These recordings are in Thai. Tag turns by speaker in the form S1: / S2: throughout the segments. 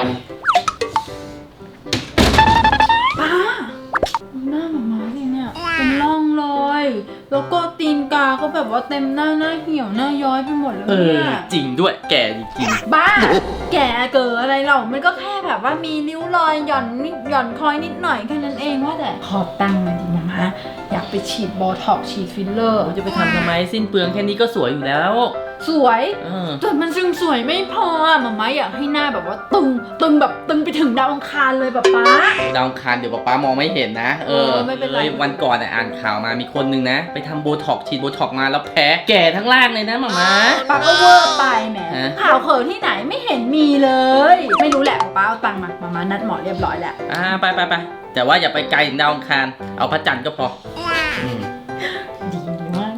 S1: ป้าหน้าหมาม้าสิเนี่ยเป็นร่องรอยแล้วก็ตีนกาก็แบบว่าเต็มหน้าเหี่ยวหน้าย้อยไปหมดเลยเนี่ย
S2: จริงด้วยแก่จริง
S1: บ้าแกเกิดอะไรเรามันก็แค่แบบว่ามีริ้วรอยหย่อนนิดหย่อนคอยนิดหน่อยแค่นั้นเองว่าแต่ขอตังค์มาดิมาม่าอยากไปฉีดโบท็อกซ์ฉีดฟิลเลอร์
S2: ๆจะไปทำไมสิ้นเปลืองแค่นี้ก็สวยอยู่แล้ว
S1: สวย
S2: เออ
S1: แต่มันซึ่งสวยไม่พอมาม่าอยากให้หน้าแบบว่าตึงแบบตึงไปถึงดาวอังคารเลยแบบป๊า
S2: ดาวอังคารเดี๋ยวป๊ามองไม่เห็นนะ
S1: ไม่เป็นไร
S2: วันก่อนอ่านข่าวมามีคนนึงนะไปทำโบท็อกฉีดโบท็อกมาแล้วแพ้แก่ทั้งล่างเลยนะหมาม้า
S1: ป๊าก็เวอร์ไปแหม
S2: ฮะ
S1: ข่าวเขินที่ไหนไม่เห็นมีเลย ไม่รู้แหละป๊าเอาตังค์มาม่านัดหมอเรียบร้อยแล้ว
S2: ไปแต่ว่าอย่าไปไกลถึงดาวอังคารเอาพระจันทร์ก็พออืม
S1: ดีมาก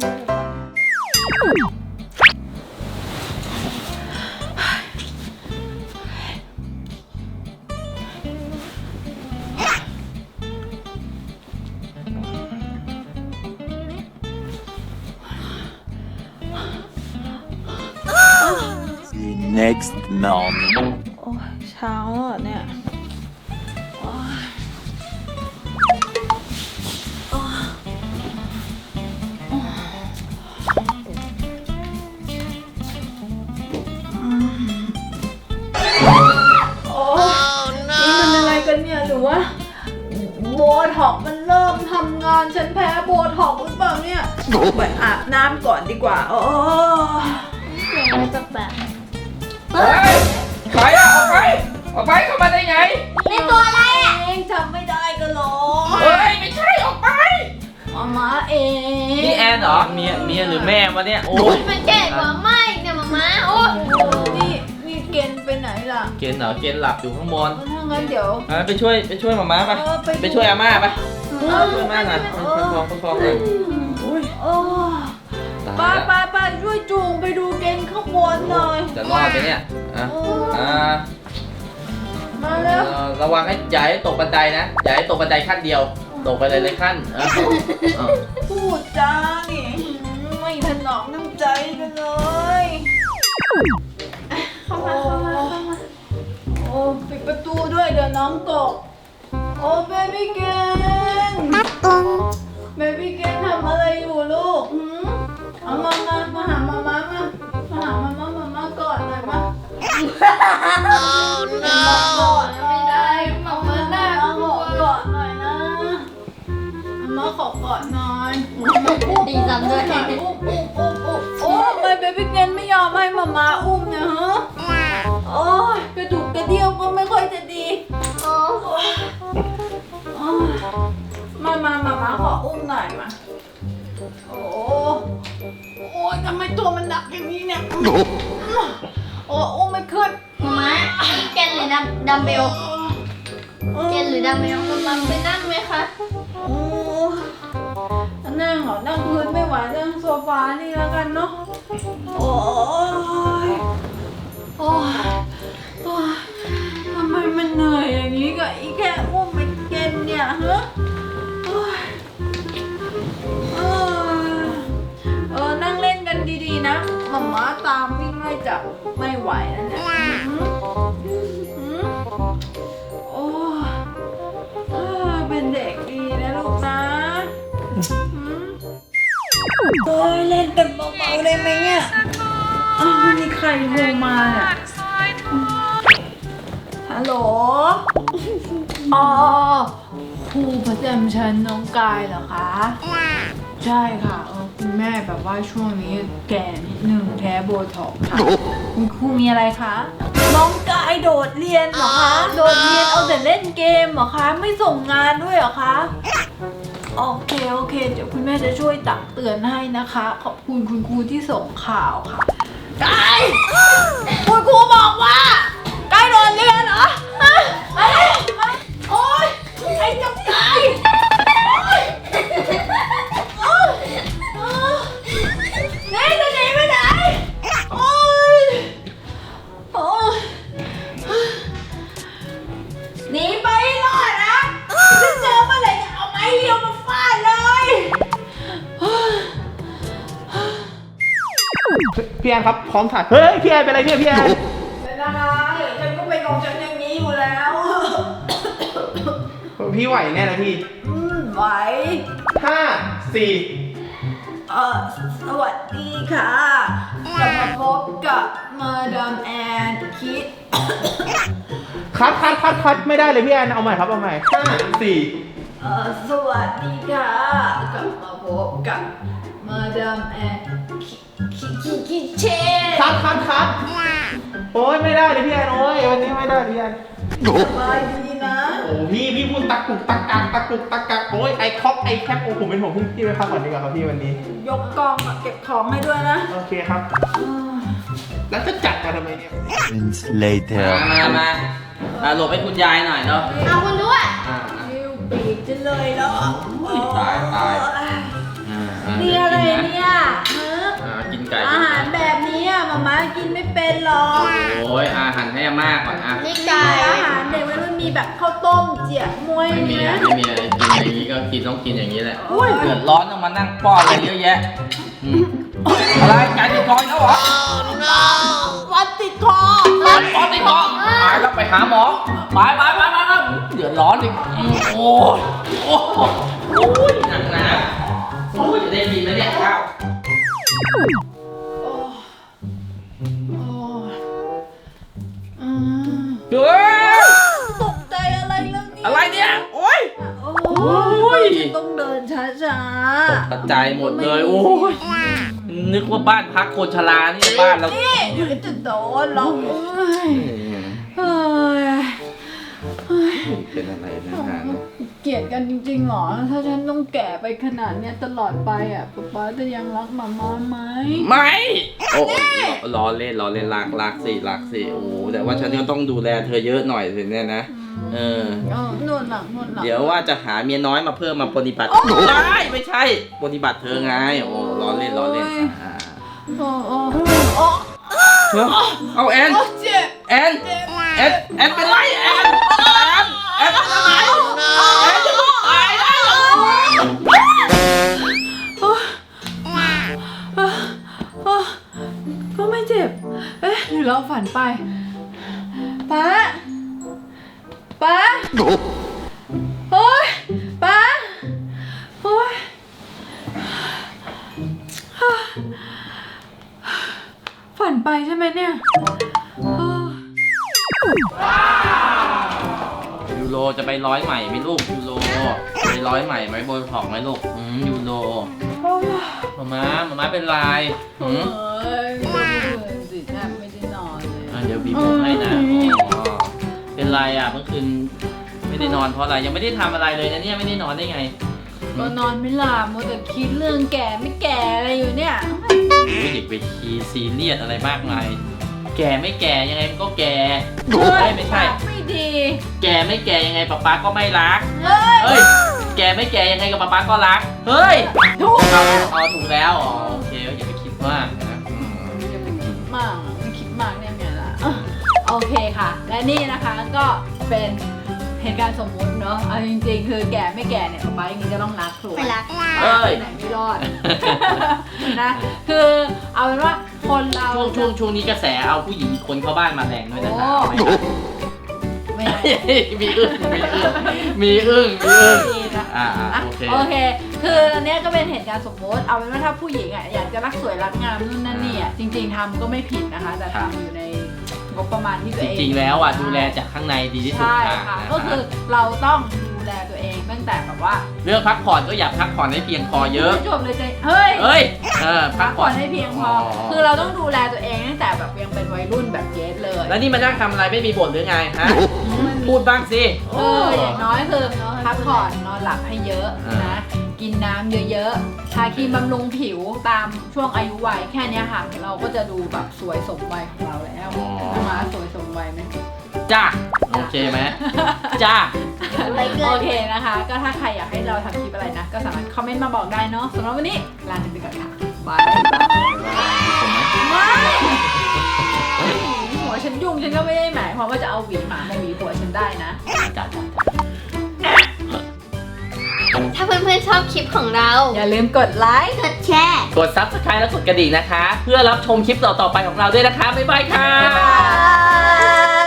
S3: Next morning.
S1: โอ้ยเช้าแล้วเนี่ยโอ้ยโอ้ยนี่มันอะไรกันเนี่ยหรือว่าโบท็อกซ์มันเริ่มทำงานฉันแพ้โบท็อกซ์หรือเปล่าเนี่ยไปอาบน้ำก่อนดีกว่าโอ้ยเสียงอะไรแปลก
S2: เฮ้ยใครอะออกไปเข้ามาได้ไง
S1: นี่ตัวอะไรอ่ะเองจำไม่ได้กันหรอ
S2: เฮ้ยไม่ใช่ออกไป
S1: มาเอง
S2: นี่แอนเหรอเมียหรือแม่วะเนี่ยโอ้ย
S4: มันแก่กว่าไม่เนี่ยมาม่าโอ้
S1: นี่เกณฑ์ไปไหนล่ะ
S2: เกณฑ์เหรอเกณฑ์หลับอยู่ข้างบน
S1: ถ้างั้นเดี๋ยว
S2: ไปช่วยหมาม้าไป ไปช่วยอาม่าไปช่วยอาม่าหน่อยประคองเลย
S1: โอ้ไปช่วยจูงไปดูเกณฑ์ข้างบนหน่อย
S2: จะรอดไหมเนี่ย
S1: มาแล้ว
S2: ระวังอย่าให้ตกบันไดนะอย่าให้ตกบันไดขั้นเดียวตกไปเลยขั้น
S1: พูดจานี่ไม่ถนอมน้ำใจกันเลย
S4: เข้ามา
S1: โอ้ปิดประตูด้วยเดี๋ยวน้องตกโอ้เบบี้เกนเบบี้เกนทำอะไรอยู่ลูกเอามาหามาม่ามาหามาม่ากอดหน่อยมาก่อนไม่ได้มาม่าหน้ากอดหน่อยนะมาขอกอดหน่อย
S4: ดีจังด้วย
S1: โอ้ทำไมเบบี้เกนไม่ยอมให้มาม่าอุ้มเนี่ยฮะโอ้ยกระดูกกระเดี่ยวก็ไม่ค่อยจะดีมาขออุ้มหน่อยมาโอ้ยทำไมตัวมันหนักอย่างนี้เนี่ยโอ้อุ้มไม่ขึ้น
S4: มาม่าเกนหรือดัมเบลเกนหรือดัมเบลมาไปนั่งไหมคะ
S1: โอ้นั่งเหรอนั่งพื้นไม่ไหวนั่งโซฟานี่แล้วกันเนาะโอ้ยทำไมมันเหนื่อยอย่างนี้กับอีแค่อุ้มไม่เกนเนี่ยฮะนั่งเล่นกันดีๆนะหม่าม้าตามวิ่งไล่จับไม่ไหวแล้วเนี่ยโอ้เป็นเด็กดีนะลูกนะโอ้ยเล่นกันเบาๆได้ไหมเนี่ยนี่ใครโทรมาเนี่ยฮัลโหลครูประจำชั้นน้องกายเหรอคะใช่ค่ะคุณแม่แบบว่าช่วงนี้แก่นิดนึงแพ้โบท็อกซ์ค่ะคุณครูมีอะไรคะน้องกายโดดเรียนเหรอคะโดดเรียนเอาแต่เล่นเกมเหรอคะไม่ส่งงานด้วยเหรอคะโอเคเดี๋ยวคุณแม่จะช่วยตักเตือนให้นะคะขอบคุณคุณครูที่ส่งข่าวค่ะกายคุณครูบอกว่ากายโดดเรียนเหรออะไรโอ๊ยไอ้เจ้ากายนี่จะหนีไปไหนโอ๊ยหนีไปให้รอดนะจะเจอเมื่อไหร่จะเอาไม้เรียวมาฟาดเลย
S2: พี่แอนครับพร้อมถ่ายเฮ้ยพี่แอนเป็นอะไรเนี่ยพี่แอน
S1: เป็นอะไรฉันก็เป็นของฉันอย่างนี้
S5: พี่ไหวแน่นะพี่
S1: ไหว
S5: 5 4
S1: สวัสดีค่ะกลับมาพบกับมาดามแอนคิด
S5: คัดไม่ได้เลยพี่แอนเอาใหม่ครับเอาใหม่5 4
S1: สวัสดีค่ะกลับมาพบกับมาดามแอนคิดเชน
S5: คัดโอ้ยไม่ได้เลยพี่แอนโอ้ยวันนี้ไม่ได้พี่แอน
S1: สบายดีนะ
S5: โอ้พี่พูดตักกุกตักกักโอ้ยไอคอกไอแคปโอ้ผมเป็นห่วงพี่ไปพักก่อนดีกว่าครับพี่วันนี้
S1: ยกกองเก็บของให้ด้วยนะ
S5: โอเคครับ แล้วจะจัดมาทำไมเนี่ย
S3: Moments later.
S2: มาหลบให้คุณยายหน่อยเนาะ
S4: เอาคุณด้วย
S1: นิ้วปีกจะเลยแล้ว
S2: ตาย
S1: นี่อะไรเนี่ยฮะ
S2: กินไก่
S1: อาหารแบบนี้อะมาม่ากินไม่เป็นหรอก
S2: โอ้ยอาหารให้อาม่าก่อนอ่ะ
S4: นี่ไก่
S1: อาหารเด็กมันมีแบบข้าวต้มเจี๋ยมวย
S2: ไม่มี
S1: นะ
S2: ไม่มีอะไรกินอย่างนี้ก็กินต้องกินอย่างนี้แหละ
S1: อุ้ย
S2: เดือดร้อนต้องมานั่งป้อนอะไรเยอะแยะอะไรไก่ติดคอแล้วเหรอ
S1: วัดติดคอ
S2: ป้อนติดคอตายแล้วไปหาหมอไปเดือดร้อนอีกโอ้ยหนักนะโอ้ยจะได้กินไหมเนี่ยข้าว เฮ้ย
S1: ตกใจอะไรแล้วเนี่ย
S2: อะไรเนี่ย โอ้ย
S1: โอ้ยต้องเดินช้า
S2: กระจายหมดเลย โอ้ย นึกว่าบ้านพักคนชรานี่บ้านเรา
S1: ๆนี่เดี๋ยวจะโดนหรอกเฮ้ย
S2: เป็นอะไรนะฮะ
S1: เกลียดกันจริงๆหรอ ถ้าฉันต้องแก่ไปขนาดเนี้ยตลอดไปอ่ะป๊าจะยังรักมาม่าไหม
S2: ไม่ โอ้ล้อเล่นรักสิโอ้แต่ว่าฉันก็ต้องดูแลเธอเยอะหน่อยสิเนี่ยนะ
S1: นวดหลัง
S2: เดี๋ยวว่าจะหาเมียน้อยมาเพิ่มมาปฏิบัติไม่ใช่ปฏิบัติเธอไง โอ้ล้อเล่น
S1: โอ้
S2: เอาแอน
S1: เจ็บ
S2: แอนเป็นไรแอนเป็นอะไรแอนจะตายแล้ว
S1: ก็ไม่เจ็บ เอ๊ะหรือเราฝันไปป๊าโอ๊ยป๊าโอ๊ยฝันไปใช่ไหมเนี่ย
S2: ยูโรจะไปร้อยใหม่ไหมลูกยูโรไปร้อยใหม่ไหมโบท็อกไหมลูกยูโรมาเป็นไร
S1: เอ้ยไม่ได้สิแทบไม่ได้นอนเลย
S2: เดี๋ยวบีบผมให้นะเป็นไรอ่ะเมื่อคืนไม่ได้นอนเพราะอะไรยังไม่ได้ทำอะไรเลยนะเนี่ยไม่ได้นอนได้ไง
S1: ก็นอนไม่หลับมัวแต่คิดเรื่องแก่ไม่แก่อะไรอยู่เนี่ย
S2: ไม่เด็กไปคีซีเรียสอะไรมากมายแก่ไม่แก่ยังไงมันก็แก่ไม่ใช่
S1: ไม่ดี
S2: แก่ไม่แก่ยังไงป๊าก็ไม่รัก
S1: เฮ้ย
S2: เฮ้ยแก่ไม่แก่ยังไงกับป๊าก็รักเฮ้ย
S1: ถูก
S2: เอาถูกแล้วอ๋อโอเคอย่าไปคิดมากนะ
S1: อย่าไปคิดมากไม่คิดมากได้ไงล่ะโอเคค่ะ และนี่นะคะก็เป็นเหตุการณ์สมมุติเนาะเอาจริงๆคือแก่ไม่แก่เนี่ยป๊าอย่างนี้ก็ต้องรักถูก
S4: ไม่รัก
S2: เอ้ย
S1: ไหนไม่รอด นะคือเอาเป็นว่าคนเรา
S2: ช่วงนี้กระแสเอาผู้หญิงคนเข้าบ้านมาแรงด้วยนะ
S1: โอ้ไม่ได้
S2: มีอึ้ง
S1: ดีนะ
S2: โอเค
S1: คืออันเนี้ยก็เป็นเหตุการณ์สมมติ เอาเป็นว่าถ้าผู้หญิงอ่ะอยากจะรักสวยรักงามนู่นนั่นนี่อ่ะจริงๆทำก็ไม่ผิดนะคะ แต่ทำอยู่ในงบประมาณที่ตัวเอง
S2: จริงๆแล้วอ่ะดูแลจากข้างในดีที่สุด
S1: ใช่
S2: ค่ะ
S1: ค่ะ ก็คือเราต้องดูแลตัวเองตั้งแต่แบบว่า
S2: เรื่องพักผ่อนก็อย่าพักผ่อนให้เพียงพอเยอะ
S1: ไม่จบเลยใจเฮ้ย
S2: พั
S1: พั
S2: ก
S1: ก
S2: ผ่
S1: ผ่
S2: อ
S1: อน นให้เพียงพอ คือเราต้องดูแลตัวเองตั้งแต่แบบยังเป็นวัยรุ่นแบบเกสเลย
S2: แล้วนี่มานั่งทำอะไรไม่มีบ่นหรือไงฮะพูดบ้างสิ
S1: อย่างน้อยคือพักผ่อนนอนหลับให้เยอะนะ กินน้ำเยอะๆ ทาครีมบำรุงผิวตามช่วงอายุวัยแค่เนี้ยค่ะ เราก็จะดูแบบสวยสมวัยของเราแล้วนะคะสวยสมวัยไหม
S2: จ้าโอเคไหมจ้า
S1: โอเคนะคะ ก็ถ้าใครอยากให้เราทำคลิปอะไรนะ ก็สามารถคอมเมนต์มาบอกได้เนาะสำหรับวันนี้ลาไปก่อนค่ะบายหัวฉันยุ่งฉันก็ไม่ได้หมายความว่าจะเอาหวีหมามาหวีหัวฉันได้นะ
S2: จ้า
S4: ถ้าเพื่อนๆชอบคลิปของเรา
S1: อย่าลืมกดไลค์
S4: กดแชร์
S2: กด Subscribe และกดกระดิ่งนะคะ เพื่อรับชมคลิปต่อๆไปของเราด้วยนะคะบ๊ายบายค่ะ
S1: บ๊ายบาย